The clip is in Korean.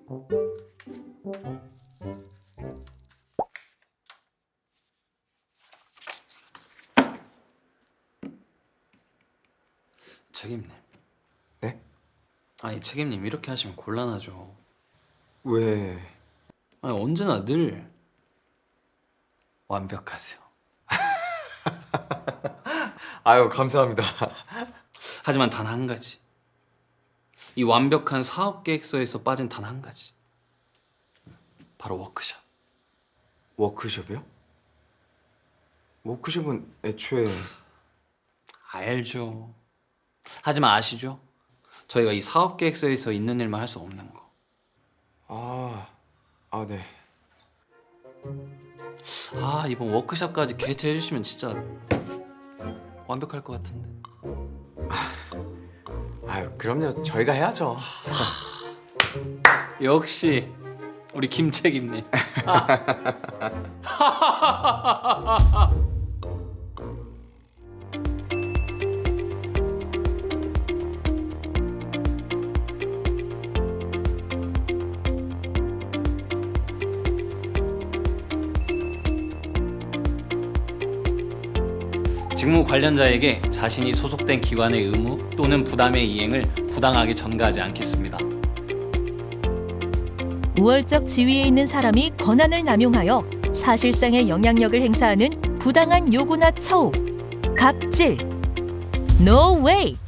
책임님. 네? 아니 책임님 이렇게 하시면 곤란하죠. 왜? 아니 언제나 늘 완벽하세요. 아유, 감사합니다. 하지만 단 한 가지. 이 완벽한 사업 계획서에서 빠진 단 한 가지. 바로 워크숍. 워크숍이요? 워크숍은 애초에... 알죠. 하지만 아시죠? 저희가 이 사업 계획서에서 있는 일만 할 수 없는 거. 네. 아 이번 워크숍까지 개최해 주시면 진짜 완벽할 것 같은데. 아유, 그럼요. 저희가 해야죠. 역시 우리 김 책임님. 직무 관련자에게 자신이 소속된 기관의 의무 또는 부담의 이행을 부당하게 전가하지 않겠습니다. 우월적 지위에 있는 사람이 권한을 남용하여 사실상의 영향력을 행사하는 부당한 요구나 처우, 갑질, No way!